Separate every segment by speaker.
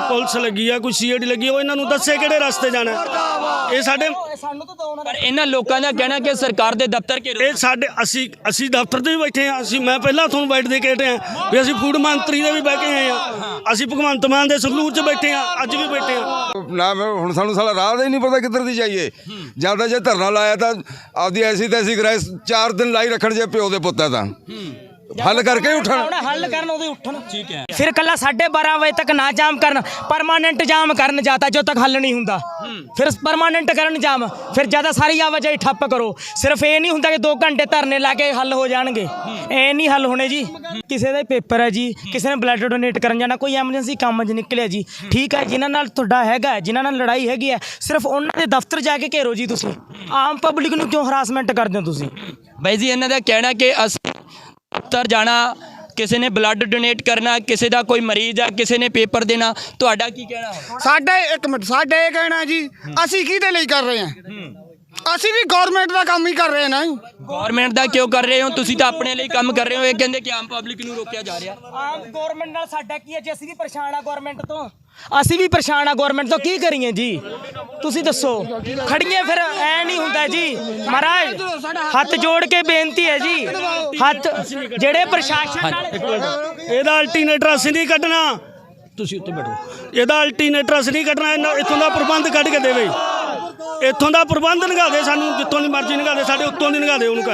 Speaker 1: Police लगी है, कोई सीआईडी लगी है, इन्होंने दसे किहड़े रस्ते जाना ये साडे
Speaker 2: पर इन्हां लोकां दा कहना कि सरकार दे दफ्तर के
Speaker 1: ये साडे असी दफ्तर ते भी बैठे हैं। असी मैं पहला तुहानूं बैठ दे के हटे हैं भी असी फूड मंत्री दे भी बह के आए हैं, असी भगवंत मान दे संगरूर च बैठे हैं, अज भी बैठे हैं
Speaker 3: ना। हुण सानूं साला राह दा ही नहीं पता किधर दी जाइए। जब जे धरना लाया तो आपदी ऐसी तैसी कराए 4 दिन लाई रखण जे प्यो दे पुत्त तां हल करके उठन
Speaker 2: हल करन ओदे उठन ठीक है।
Speaker 4: फिर कल 12:30 बजे तक ना जाम करन, परमानेंट जाम करन जाता जो तक हल नहीं हुंदा, फिर परमानेंट करन जाम, फिर ज़्यादा सारी आवाजाही ठप्प करो। सिर्फ ये नहीं हुंदा कि 2 घंटे धरने ला के हल हो जाएंगे, ये नहीं हल होने जी। किसी का पेपर है जी, किसी ने ब्लड डोनेट करन जाना, कोई एमरजेंसी काम च निकलिया जी, ठीक है, जिन्हां नाल तुहाडा हैगा, जिन्हां नाल लड़ाई हैगी है, सिर्फ उन्हां दे दफ्तर जाके घेरो जी। तुसीं आम पब्लिक नूं क्यों हरासमेंट करदे हो तुसीं?
Speaker 2: बाई जी इन्हां दा कहना कि असीं दफ्तर जाना, किसी ने ब्लड डोनेट करना, किसी का कोई मरीज है, किसी ने पेपर देना, तुहाडा की कहना है?
Speaker 5: साडे एक मिनट साडे ये कहना जी असी किहदे लई कर रहे हैं? असी भी गवर्नमेंट का काम ही कर रहे हैं ना।
Speaker 2: गवर्नमेंट का क्यों कर रहे हो? तुसीं तां अपने लिए काम कर रहे हो, ये कहंदे कि आम पब्लिक नूं रोकिया जा रहा।
Speaker 4: आम गवर्नमेंट नाल साडा की है जी? असीं भी परेशान आ गवर्नमेंट तो, ਅਸੀਂ ਵੀ ਪਰੇਸ਼ਾਨ ਆ ਗਵਰਨਮੈਂਟ ਤੋਂ, ਕੀ ਕਰੀਏ ਜੀ ਤੁਸੀਂ ਦੱਸੋ? ਖੜੀਏ ਫਿਰ ਐ ਨਹੀਂ ਹੁੰਦਾ ਜੀ ਮਹਾਰਾਜ, ਹੱਥ ਜੋੜ ਕੇ ਬੇਨਤੀ ਹੈ ਜੀ, ਹੱਥ ਜਿਹੜੇ ਪ੍ਰਸ਼ਾਸਨ ਨਾਲ
Speaker 1: ਇਹਦਾ ਅਲਟਰਨੇਟਰ ਅਸੀਂ ਨਹੀਂ ਕੱਢਣਾ, ਤੁਸੀਂ ਉੱਤੇ ਬੈਠੋ, ਇਹਦਾ ਅਲਟਰਨੇਟਰ ਅਸੀਂ ਨਹੀਂ ਕੱਢਣਾ, ਇੱਥੋਂ ਦਾ ਪ੍ਰਬੰਧ ਕੱਢ ਕੇ ਦੇਵੇ, ਇੱਥੋਂ ਦਾ ਪ੍ਰਬੰਧ ਨਿਗਾਹ ਦੇ ਸਾਨੂੰ, ਜਿੱਥੋਂ ਦੀ ਮਰਜ਼ੀ ਨਿਗਾਹ ਦੇ, ਸਾਡੇ ਉੱਤੋਂ ਦੀ ਨਿਗਾਹ ਦੇ ਉਹਨੂੰ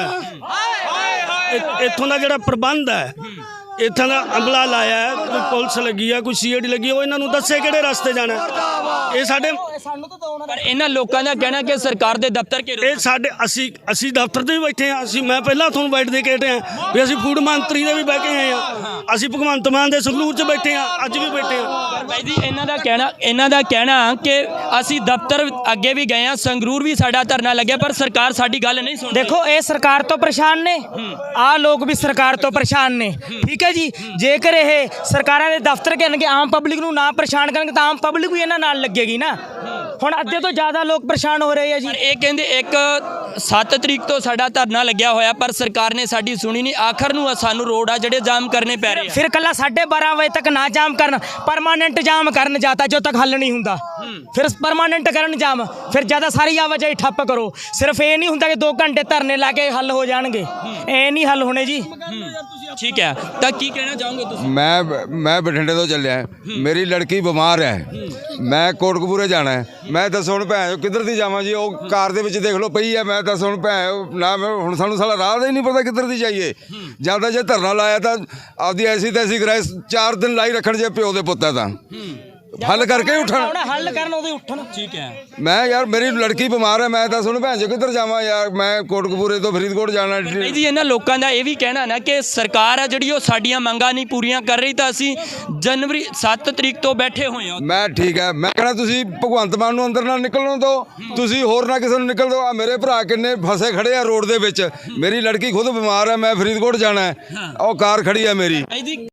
Speaker 1: ਕਹੇ। ਇੱਥੋਂ ਦਾ ਜਿਹੜਾ ਪ੍ਰਬੰਧ ਹੈ, ਇੱਥੋਂ ਦਾ ਅਮਲਾ ਲਾਇਆ ਹੈ, ਕੋਈ ਪੁਲਿਸ ਲੱਗੀ ਹੈ, ਕੋਈ ਸੀਆਈਡੀ ਲੱਗੀ ਹੈ, ਇਹਨਾਂ ਨੂੰ ਦੱਸੇ ਕਿਹੜੇ ਰਸਤੇ ਜਾਣਾ ਇਹ ਸਾਡੇ।
Speaker 2: पर इन्हां लोकां दा कहना कि सरकार दे दफ्तर के
Speaker 1: ਇਹ ਸਾਡੇ ਅਸੀਂ ਦਫ਼ਤਰ ਤੇ ਵੀ ਬੈਠੇ ਹਾਂ, ਅਸੀਂ ਮੈਂ ਪਹਿਲਾਂ ਤੁਹਾਨੂੰ ਬੈਠ ਦੇ ਕੇ ਹਟੇ ਹਾਂ ਵੀ ਅਸੀਂ ਫੂਡ ਮੰਤਰੀ ਦੇ ਵੀ ਬਹਿ ਕੇ ਆਏ ਹਾਂ, ਅਸੀਂ ਭਗਵੰਤ ਮਾਨ ਦੇ ਸੰਗਰੂਰ 'ਚ ਬੈਠੇ ਹਾਂ, ਅੱਜ ਵੀ ਬੈਠੇ ਹਾਂ।
Speaker 2: भाई जी इन्हां दा कहना कि ਅਸੀਂ दफ्तर अगे भी गए हैं, संगरूर भी साडा धरना लग्या, पर सरकार साडी गल नहीं सुन।
Speaker 4: देखो ये सरकार तो परेशान ने, आ लोग भी सरकार तो परेशान ने, ठीक है जी। जेकर ये सरकारां दे दफ्तर कहणगे आम पब्लिक नूं ना परेशान करनगे तां आम पब्लिक भी इन्हां नाल लगेगी ना। हुण अद्धे तो ज़्यादा लोग परेशान हो रहे हैं जी।
Speaker 2: पर ये कहंदे एक 7 तरीक तो साडा धरना लग्या होया, पर सरकार ने साडी सुनी नहीं, आखिर नूं सानूं रोड आ ਜਿਹੜੇ जाम करने पै रहे।
Speaker 4: फिर कल 12:30 बजे तक ना जाम करन, परमानेंट जाम करन जाता जो तक हल नहीं हुंदा, फिर परमानेंट करन जाम, फिर ज़्यादा सारी आवाजाही ठप्प करो। सिर्फ ये नहीं हुंदा कि 2 घंटे धरने ला के हल हो जाएंगे, ये नहीं हल होने जी।
Speaker 2: ठीक है, तो की कहना चाहोगे तुसीं?
Speaker 3: मैं बठिंडे तो चलिया, मेरी लड़की बीमार है, मैं कोटकपूरे जाना है, मैं दस हुण भैन किधर दी जावां जी? वो कार दे विच देख लो पई है, मैं दस हुण भैन ना, हुण सानूं साला राह दा ही नहीं पता किधर दी जाइए। जब जे धरना लाया तो आपदी ऐसी तैसी कराए 4 दिन लाई रखण जे प्यो दे पुत्त तां हल करके उठन
Speaker 4: हल करन ओदे उठन
Speaker 2: ठीक है।
Speaker 3: मैं यार मेरी लड़की बीमार है, मैं दस हुण भैन किधर जावां यार? मैं कोटकपूरे तो फरीदकोट जाना।
Speaker 2: भाई जी इन्हां लोकां दा ये भी कहना ना कि सरकार है जिहड़ी ओह साडीआं मंगां नहीं पूरीआं कर रही, तो असीं जनवरी 7 तरीक तो बैठे होए हां।
Speaker 3: मैं ठीक है, मैं कहना तुसीं भगवंत मान नूं अंदर ना निकलण दो, तुसीं होर ना किसी नूं निकल दो। आ मेरे भरा किन्ने फसे खड़े आ रोड दे विच, मेरी लड़की खुद बीमार है, मैं फरीदकोट जाना है, ਉਹ ਕਾਰ खड़ी है मेरी।